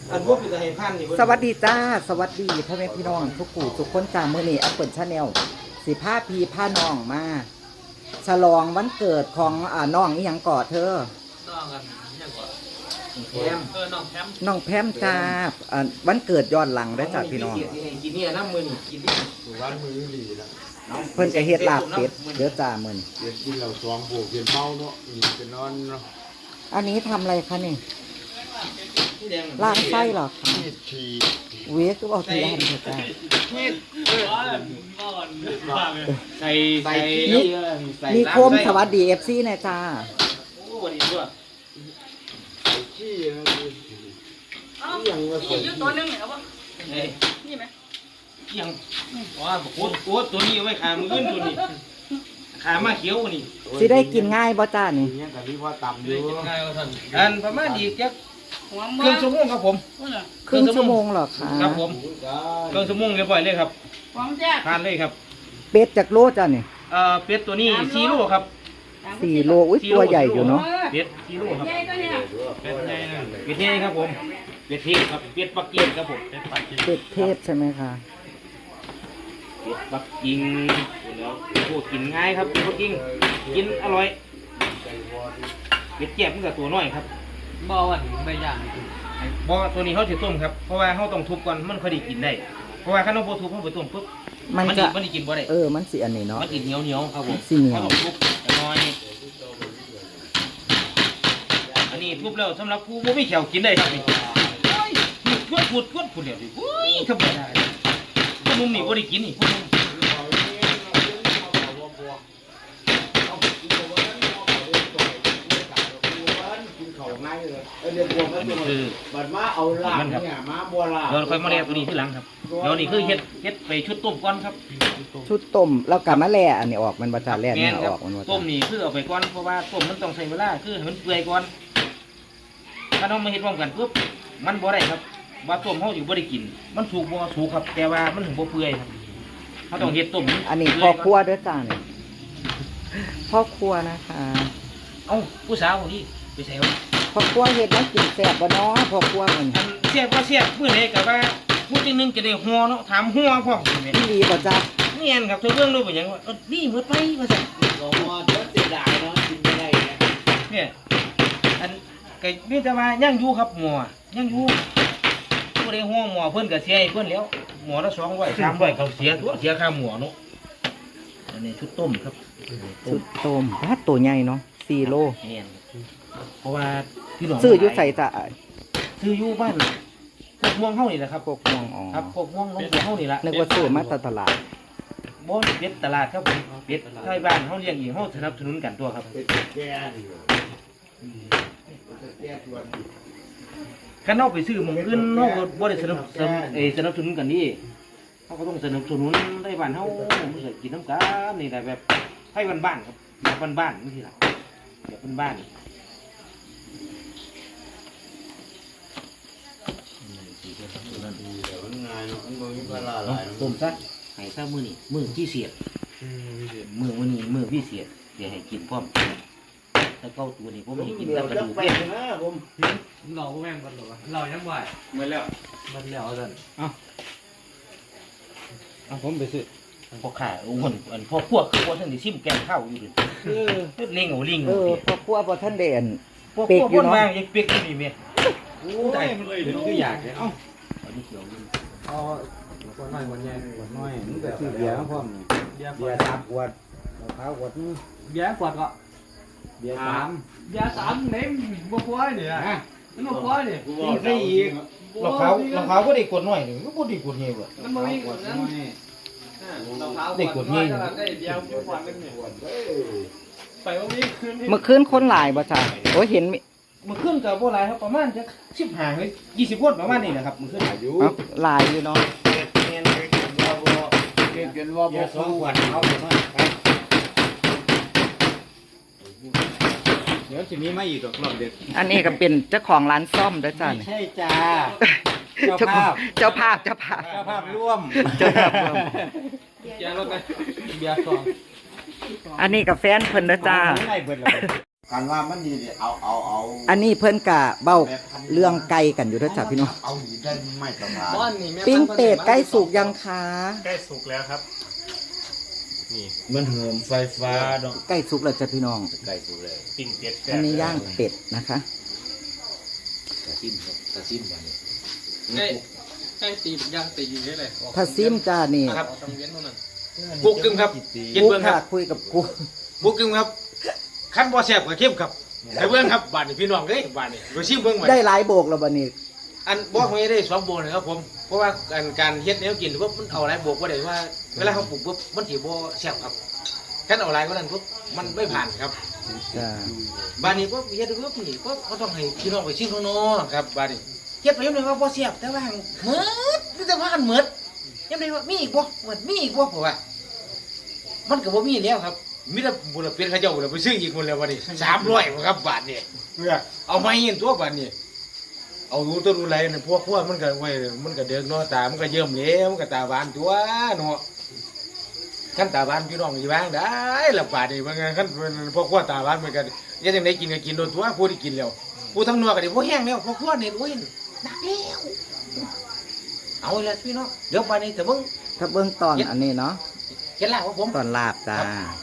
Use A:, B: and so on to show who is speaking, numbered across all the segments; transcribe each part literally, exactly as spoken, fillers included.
A: อันพวกเป็นให้พันนี่
B: สวัสดีจ้าสวัสดีพ่อแม่พี่น้องทุกผู้ทุกคนจ้ามื้อนี้อัปเปิลชาแนลสิพาพี่พาน้องมาฉลองวันเกิดของอ่าน้องอีหยังก่อเธอ
C: น้องกันยังก่อน
A: แคม
C: เออน้องแคม
B: น้องแพมจ้าอ่าวันเกิดย้อนหลังได้อจ้าพี่น้อง
A: กินเนี่ยน้ำมือกินนี่
D: วันมือดีนะ
B: เพิ่นก็เฮ็ดลาบเป็ดเด้อจ้ามื้อนี้
D: เรียนกินเราสองผูกเรียนเมาเนาะอืมเป็นนอนเนาะ
B: อันนี้ทำอะไรคะนี่
A: ที่แดง
B: ล้างไส้เหรอคะ
D: ที่ฉี่
B: เวสก็เอาทีละอันเถอะจ้า
A: ใส่ใส่
B: มีโคมสวัสดี เอฟ ซี นะจ้า
A: โอ้วันนี้ด้วย
D: ไอ้ขี้นะที่ยังว่าสวย
C: ยืดตัวนึงเนี่ยครับว่า
A: เอ้ย
C: นี่ไหม
A: ยังว้าบอกโคตรโคตรตัวนี้ไว้ขามือขึ้นตัวนี้ขามาเขียวนี่
B: สิได้กินง่ายบ่จ้านี่
D: เนี่ยแต่นี่ว่าต่ำอยู่
C: ง่ายกว่าท่าน
A: อันประมาณอีกจัก
C: หัว
A: ค
C: มื
A: รึ่
C: อง
A: ชั่วโมงครับผม
B: ครึ่งชั่วโมงเหรอคะ
A: ครับผมครึ่งชั่วโมงเรียบร้อยเลยครับ
C: หัวแจ๊ก
A: ทานเลยครับ
B: เป็ดจากโลจ้านี่
A: เอ่อเป็ดตัวนี้สี่โลครับ
B: สี่โลอุ้ยตัวใหญ่อยู่เนาะ
A: เป็ดสี่โลครับ
C: ใหญ่ตัวเนี่ย
A: เป็ดใหญ่นะเป็ดใหญ่ครับผมเป็ดเทศครับเป็ดปักกิ่งครับผมเป็ดปักกิ่ง
B: เป็ดเทศใช่ไหมคะ
A: เป็ดปักกิ่งแล้วโคตรกินง่ายครับเป็ดปักกิ่งกินอร่อยเป็ดแจ่บมันกับตัวน้อยครับ
C: บ่วันไม่ย่าง
A: บ่ตัวนี้เขาจะต้มครับเพราะว่าเขาต้องทุบก่อนมันค่อยได้กินได้เพราะว่าถ้าเราบ่ทุบเขาไปต้มปุ๊บ
B: มัน
A: มัน
B: จะ
A: มันได้กินบ่ได้
B: เออมันสิอันนี้เนาะ
A: มันกินเหนียวเหนียวครับผม
B: สิเหนียว
A: เขาต้องทุบน้อยอันนี้ทุบแล้วสำหรับผู้บ่มีแขวกินได้ครับนี่โอ้ยพูดพูดพูดพูดเดี๋ยวดิโอ้ยธรรมดาพวกนุ่มนี่บ่ได้กินนี่พวกนุ่ม
D: เรียนบวม
A: อัน
D: แล้
A: นี้
D: ว
A: คือ
D: บัดมาเอาลาบเนี่ยมาบัวลาบ
A: เราค่อยมาแล่ตัวนี้ทีหลังครับแล้วนี่คือเฮ็ดเฮ็ดไปชุดต้มก่อนครับ
B: ชุดต้มแล้วกลับมาแล่อันนี้ออกมันบ่จ้าแล่
A: แม่
B: เนี่ย
A: นค
B: อ
A: รับ
B: อกมันบ่
A: ต้
B: จ้าม
A: นี่คือเอาไปก่อนเพราะว่าต้มมันต้องใช้เวลาคือให้มันเปื่อยก่อนถ้าเรามาเฮ็ดพร้อมกันปุ๊บมันบ่ได้ครับว่าต้มเฮาอยู่บ่ได้กิน มันสุกบ่สุกครับ แต่ว่ามันถึงบ่เปื่อยครับเขาต้องเฮ็ดต้ม
B: อันนี้พ่อครัวเด้อจ้านี่พ่อครัวนะคะ
A: เอ้าผู้สาวคนนี้ไปใส่วะ
B: พ่อครัวเฮ็ดแล้วกินแซ่บบ่เนาะพ่อครัวมัน
A: อันเสียบก็เสียบมื้อไหนก็ว่าผู้จังหนึงจะได้หัวเนาะถามหัวพร้อมแม่น
B: พี่ลีบ่จ้า
A: แม่นครับเธอเบิ่งดูเป็นหยังว่าเออนี่หมดไปว่าซั่น
D: ก็มาเดี๋ยวเสียดายเนาะกินไม่ได้เนี่ย
A: เนี่ยอันก็มีแต่ว่ายังอยู่ครับหมอยังอยู่ผู้ใดหัวหมอเพิ่นก็เสียให้เพิ่นแล้วหมอละสองร้อยสามร้อยเขาเสียตัวเสียค่าหมอเนาะอันนี้ชุดต้มครับ
B: ชุดต้มถ้าตัวใหญ่เนาะสี่โล
A: แม่นเพราะว่าที่หลวง
B: ซื้ออยู่ใส่จ้ะ
A: ซื้ออยู่บ้านพวกม่วงเฮานี่แหละครับ
B: พวกม่วงอ๋อ
A: ครับพวกม่วงน้องบัวเฮานี่ล่ะ
B: นึกว่าซื้อมาจากตลาด
A: บ่เป็ดตลาดครับผมเป็ดไทยบ้านเฮาเลี้ยงเองเฮาสนับสนุนกันตัวครับ
D: เป็นแก่ดีกว่าแก่ตัวดี
A: คันเฮาไปซื้อหม้องอื่นเฮาก็บ่ได้สนับสนุนเอ้ยสนับสนุนกันนี่เฮาก็ต้องสนับสนุนไทยบ้านเฮามันสิกินน้ำกันนี่แหละแบบไทยบ้านๆครับแบบบ้านๆจังซี่ล่ะแบบบ้านๆ
D: ดีแต่มันง่ายเนาะมันบ่มีเวลาห
A: เอา
D: ลายเนาะ
A: ต้มซะให้ซะมื้อนี้มื้อพิเศษมื้อมื้อนี้มื้อพิเศษเดี๋ยวให้กินพร้อมถ้าเก้าตัวนี้ผมให้กิน
D: เดี๋
A: แต่
D: ยว
A: กระ
D: จะ
A: ดูก
D: ไป
A: เป็ด
D: นะผม
C: เราแม่งกันหรอเรายังไหว
D: มาแล้ว
C: มันแล้วท่าน
A: เอาผมไปซื้อพอขาโอ้โหอันพอพวกคือว่าท่านได้ชิมแกงข้าวอยู่ดิ
B: เออ
A: เฮ็ดเล่งเอาลิง
B: เอ
A: เอา
B: อ
A: สิ
B: พ่อครัวบ่ท่านเด่น
A: พวก
B: เป็ก
A: พวก
B: อยู่
A: คน
B: เนาะ
A: มายังเป็กอยู่นี่แม่
D: โอ้ยมันเลยถึงคืออยากเนี่ยเอ้า
A: อันนี้เขียวลิง
C: เอาคนน้อยคนใหญ่
D: ขวดน้อยมันก็ซื้อเบียร์มาพร้อมนี่
C: เบียร์ข
D: เบี
C: วย ด
D: ร์สามขวดมะพร้าวขวดนึง
C: เบียร์ขวดก็
D: เบียร์สาม
C: เบียร์สามเน้มบ่ควายเนี่ย
D: ฮะ
C: มันบ่ควายเนี่ย
D: กูบอกได้อีก
A: เราเขาเราเขาก็ได้กดหน่อยหนึ่งก็บ่ได้กดเงี้ยบ่
C: มันบ่มี
D: ขวด
C: นั้น
D: น้อย
A: ได้กดนี่
C: ได้เบียร์ขวดนึงเนี่ย
D: ขวดเด้อ
C: ไปว่ามีคืน
B: เมื่อคืนคนหลายบ่จ้าโอ้ยเห็นมิ
A: เมื่อคืนก็บ่หลายครับประมาณจักสิบห้าหรือยี่สิบคนประมาณนี้แหละครับเมื่อคืน
D: อายุ
B: เอ้าหลายอยู่เนาะ
A: แม่นเลยครับว่าบ่
D: เกินว่าบอกสองขวดเอาไปหน่อยเดี๋ยวจะมีมาอีกดอกรอบเด็ด
B: อันนี้ก็เป็นเจ้าของร้านซ่อมเด้อจ้า
D: ไม่
B: นี่
D: ใช่จ้า
B: เจ้าภาพเจ้าภาพเจ้าภาพ
D: เจ้าภาพร่วม
B: เจ้าภาพร่วม
C: เบียร์รถไปเบียร์สอง
B: อันนี้กับแฟนเพิ่นเด้อจ้า
D: ไม่ได้เบิดเลยการว่ามันนี่เอาเอาเอา
B: อันนี้เพิ่นกะเบ้าเรื่องไก่กันอยู่เด้อจ้ะพี่น้อง
D: เอาหนีได้ไม่สบาย
C: บ้านนี่แม่
B: ปิ้งเป็ดใกล้สุกยังคะ
C: ใกล้สุกแล้วครับ นี่
D: มันเหิมไฟฟ้าดอก
B: ใกล้สุกแล้วจ้ะพี่น้อง
D: ไก่สุดเลย
C: ปิ้งเป็ด
B: อันนี้ย่างเป็ดนะคะ
A: ตะซิมครับตะซิมกัน
C: ใกล้ใกล้ตีย่างตีอยู่นี่เลย
B: ถ้าซิมจ้านี่
C: ครับต้องเว้นเท่านั้น
A: กุ๊กกึ่งครับกิน
B: กู
A: เบิ่งค
B: ค่ะ
A: รับ
B: คุยกับกู
A: กุ๊กกึ่งครับขั้นบ่แซ่บก็เข้มครับแต่เบิ่งครับบ้านนี้พี่น้องเอ้ยบ้านนี้ไปชิมเบิ่งใหม่
B: ได้หลายโบกแล้วบัดนี้
A: อันบอกไม่ได้สองโบนนะครับผมเพราะว่าการการเฮ็ดแนวกินปุ๊บมันเอาหลายโบกบ่ได้ว่าเวลาเขาปลูกปุ๊บมันสิบ่แซ่บครับคันเอาหลายกว่านั้นปุ๊บมันไม่ผ่านครับ
B: จ้า
A: บ้านนี้ปุ๊บเฮ็ดปุ๊บนี่ปุ๊บเขาต้องให้พี่น้องไปชิมข้างนอกครับบ้านนี้เฮ็ดไปยังไงว่าบ่แซ่บแต่ว่าเหมือดมีแต่ว่ากันเหมือดยังไงว่ามีอีกบ่เหมือนมีอีกบ่เพราะว่า มันก็บ่มีแล้วครับมีแต่บุญเป็นเขาเจ้าบุญไปซื้ออีกหมดแล้ววันนี้สามร้อยครับบาทนี่เอามาเห็นตัวบาทนี่เอารู้ตัวรู้ไรนี่พวกพวกมันก็ไว้มันก็เดือดเนาะตามันก็เยิ่มแล้วมันก็ตาบานตัวเนาะขั้นตาบานพี่น้องอยู่บ้างได้ละบาทนี่ว่าไงขั้นพวกพวกตาบานมันก็ยังจังไดกินก็กินโดนตัวผู้ที่กินแล้วผู้ทั้งนัวก็ได้พวกแห้งแล้วพวกพวกนี่โอ้ยหนักแล้วเอาละพี่น้องเดี๋ยวบาดนี้แต่มึง
B: ถ้าเบื้องตอนอันนี้เนาะ
A: เห็นแล้วของผม
B: ตอนลาบจ้า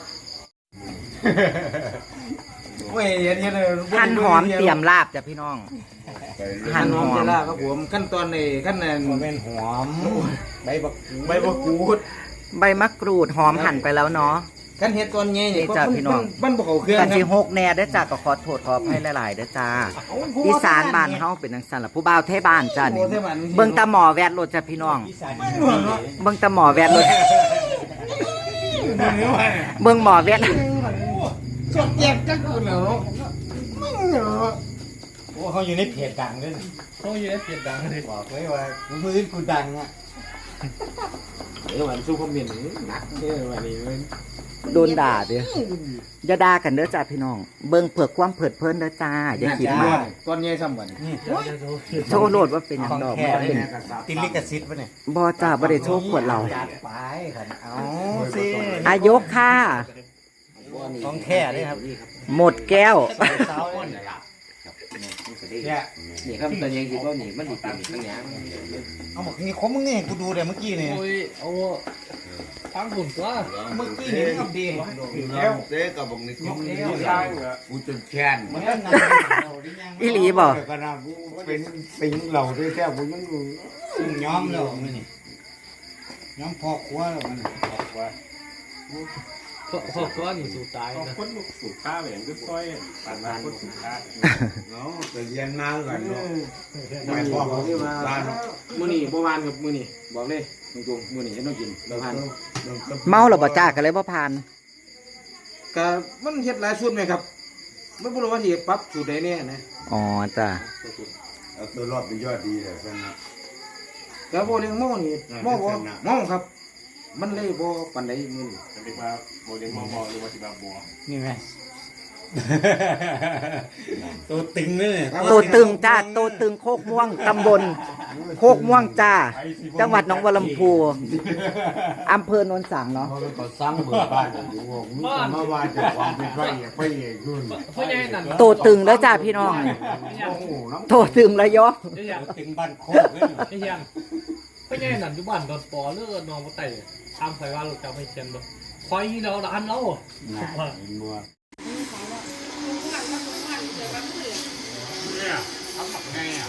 A: เว้ยเห็นเห็นเลย
B: หั่นหอมเตรียมลาบจ้ะพี่น้อง หั่นหอม
A: จะล่าครับผมขั้นตอนในขั้นนั้น
D: แม่นหอมใบบัก
A: ใบมะกรูด
B: ใบมะกรูดหอมหั่นไปแล้วเนาะ
A: ขั้นเห็ดตอนใหญ่นี่
B: นี่จ้ะพี่น้อง
A: บ้านบ่เขาเครื่อง
B: กัน
A: ค
B: สิ
A: รับ
B: หกแน่เด้อจ้าก็ขอโทษขออภัยหลายๆเด้อจ้าอีสานบ้านเฮาเป็นจังซั่นล่ะผู้บ่าวเทบ้านจ้านี่เบิ่งตาหมอแวดรถจ้ะพี่น้องเบิ่งตาหมอแวดรถเบิ่งหมอแวด
A: สดเจ็บจังคุณเหรอ
D: โอ้เขาอยู่ในเพจดังด้วย
C: เขาอยู่ในเปียดดังเลย
D: บอกไว้ว่ามือกูดังอ่ะ
A: เออวันสู้คอมเมนต์หนักเด้อวันนี้มัน
B: โดนด่าเด้ออย่าด่ากันเด้อจ้าพี่น้อง เบิ่งเผือกความเผิดเพลินเด้อจ้าอย่าคิดมาก
A: ตอนใหญ่ซ้ำวัน
B: โชว์โลดว่าเป็นหยังดอกมันเป็น
D: ติลิกซิตปะเนี่ย
B: บ่จ้าบ่ได้โชว์ขวดเรา
D: จัดไปครับเอาสิ
B: อายกค่ะ
D: ของแท้เลยครับ
B: หมดแก้ว
D: เสาเนี่ย
A: เนี่ยนี่ครับตอนใหญ่คิดว่านี่มันสิเป็นทั้งหยัง
D: เอาบอกนี่คมมึงนี่กูดูเดี๋ยวเมื่อกี้นี่
C: โอ้ยเอาทั้งหุ่นตัว
D: เมื่อกี้นี่ทำดี
E: แล้วเจ๊กับบอกนี่กูกูจนแค้น
D: มันก็นาน
B: อีหลีบ่
E: ก็น่ากูเป็นสิงเหล่าด้วยแท้กูยังอยู่
D: ย้อมแล้วมันนี่ย้อมพอครัวแล้วมันพอครัว
C: พวกพวกตัวนี่สูตายนะ
E: คนลูกสูบข้าวอย่างก็ค่อยปันมาคนสูบข้าวเนาะแต่เรียนนานกันเนาะไม่พอเขาที่มาบ้าน
A: มื้อนี้บ่วานกับมื้อนี้บอกเลยตรงๆมื้อนี้เฮ็ดต้องกินบ่ผ่าน
B: เมาแล้วบ่จ้ากันเลยบ่ผ่าน
A: ก็มันเฮ็ดหลายสูตรไหมครับไม่รู้ว่าสิปรับสูตรใดแน่นะ
B: อ๋อจ้า
E: เอาตัวรอบเป็นยอดดีเลยกันนะ
A: ก็บ่เลี้ยงหม้อนี่หม้อบ่หม้อครับ มันเลยบ่ปานใดมื้อนี้
E: จะเรียกว่าโมเดลมอมอหรือว่าสิบาบัว
D: นี่ไงตัวตึงเลยเนี่ย
B: โตตึงจ้าโตตึงโคกม่วงตำบลโคกม่วงจ้า จังหวัดหนองบัวลำพูอำเภอโนนสังเนาะ
E: เขาเลยก็สร้างเบิกบ้านอยู่วงมึงจะมาว่าจะความเป็นไฟไฟเอกนู่น
C: เพราะยังไงนั่น
B: โตตึงแล้วจ้าพี่น้อง
E: โอ้โหน้ำ
B: โตตึงแล้วยอ
C: ไม่ยัง
D: ตึงบ้านโคกเลย
C: ไม่ยังเพราะยังไงนั่นอยู่บ้านดอนปอเลือดนองมาไต่ตามไฟว่าเราจะไม่เช่นบ่คอยเราร้านเรา
E: น่ะมัว
C: เนี่ยทำแบบไงอ่ะ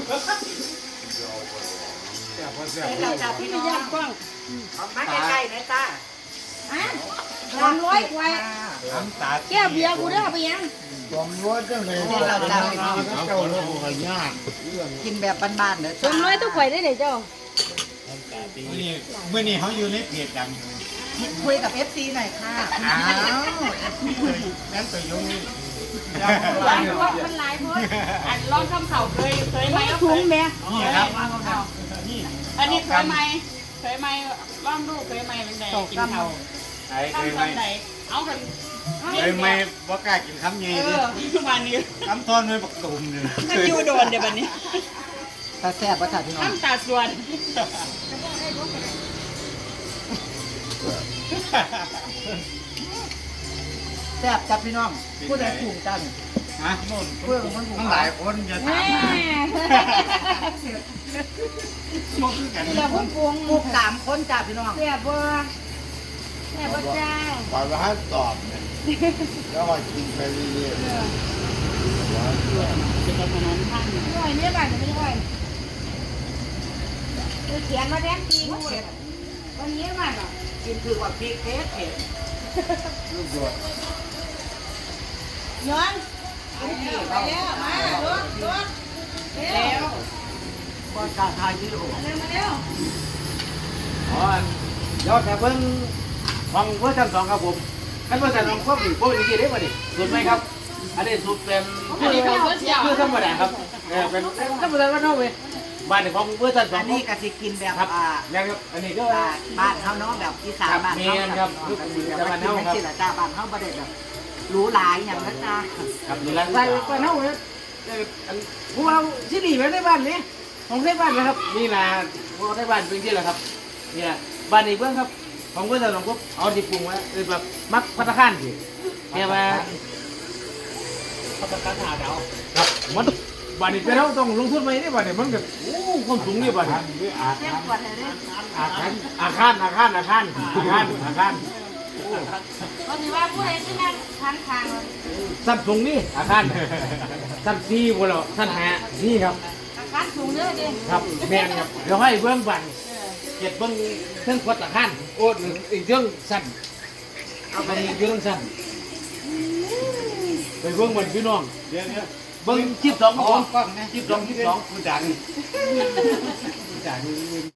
F: เราจับพี่น้องกล้อง
B: มาใกล้ๆนะจ้า
F: ฮะสามร้อยกว่า
D: น้ำตา
F: แก้วเบียร์กูได้เอาไปยัง
E: ความรู้จังเลย
B: นี่เราจ้าพี่น้อง
E: เจ้าโลกก็ยาก
B: กินแบบบ้านๆเด้อ
F: สามร้อยต้องข่อยได้เลยเจ้า
D: เมื่อนี้เมื่อนี้เขาอยู่ในเพจดัง
B: คุยกับ เอฟ ซี หน่อยค่ะอ้าว
D: นั่นตัวยงนี่
F: หลายพวกมันหลายพวกอันร้อนข้ามเข่าเคยเคยไหมถุงแม่
D: นี่ครับ
F: อันนี้เคยไหมเคยไหมร่องลูกเคยไหมเป็นไงกินเข่า
D: ไอ้เค
F: ตั้ง
D: ยไหม
F: ตอนไหนเอากัน
D: เคยไหมว่ากล้ากินคำใหญ่
F: เอ
D: ดิ
F: อทุกวันนี้
D: คำทอนไม่ปักตุ่มเลย
F: มันอยู่โดนเดี๋ยววันนี้
B: ตาแซ่บป่ะจ้าพี่น้อง
F: น้ำตาส่วน
B: อแซ่บจับพี่น้องผู้ใดถูกจัง
E: ฮะ
B: เพื่อนมันถูก
E: มันหลายคนจะถามมา
F: เดี๋ยวพุ่งปรุง
B: ถูกสามคนจ้าพี่น้อง
F: เสียบัวเสียบัวจ้า
E: ปล่อยมาให้ตอบเนี่ยแล้วก็กินไปเรื่อย
F: จะไปถนนข้างหน่อยเนี่ยบ้านจะไม่ค่อยเขียนมาแดงปีนู้นวันนี้บ้านหรอ
B: กินคือว่าพริกเทสเผ็ด
E: ลูกโดด
F: ย้อนไปแล้วมารถรถเร็ว
B: ก็การทายวิดีโอ
F: เร็วมาเร็ว
A: อ๋อยอดแต่เพิ่งของเวอร์ชันสองครับผมขั้นเวอร์ชันสองพวกนี้พวกนี้กี่เด็กวะนี่สูตรไหมครับอันนี้สูตรเป็นคือคือธรรมดาครับเออเป็นธรรมดาว่าเท่าไหร่บ้านของเวอร์ชันสอ
B: อั
A: ง
B: นนี้ก็สิกินแบบ
A: ครับ
B: อ่า
A: ยังครับอันนี้ก็
B: อ่าบ้านเขาเนาะแบบอีสานบ้านเขา
A: ครับแม่นครับ
B: ก็สิแบบ
A: จะบ้านเฮาครับ
B: กินจ้าบ้านเขาบ่ได้แบบรู้หลายอย่างนะจ้า
A: ครับนี่แหละใส่ไปเท่าไหร่พวกเราที่นี่ไม่ได้บ้านนี้ของได้บ้านนะครับนี่นะพวกได้บ้านเป็นที่แหละครับนี่แหละบ้านนี้เบื้องครับของเพื่อนเราปุ๊บเอาที่ปรุงไว้คือแบบมักพัตตาคารสิเนี่ยมา
C: เขาประกันหาดาว
A: ครับมันบ้านนี้เป็นเราต้องลงทุนไหมเนี่ยบ้านนี้มันก็โอ้ความสูงเนี่ยบ้านนี้
E: หรืออาจ
F: เสียปวดเลย
E: อาจารย์
A: อาคารอาคารอาคารอาคารอาคาร
F: วันนี้ว่าผู้ใดที่นั่งทางทาง
A: สั้นสูงนี่อาคารสั้นสี่พวกเราสั้นห้านี่ครับ
F: อาการสูงเยอะดิ
A: ครับแม่นครับเดี๋ยวให้เบื้องบันเก็บเบื้องเครื่องขวดอาคารโอ้อีกเรื่องสั้นเอาไปอีกเรื่องสั้นไปเบื้องบันพี่น้อง
E: เดี๋ยวเนี่ย
A: เบิ้งชิปสอง
E: อ๋
A: ค
E: อน กล้องนะ
A: ชิปสองชิปสอง
E: กูดังกูดัง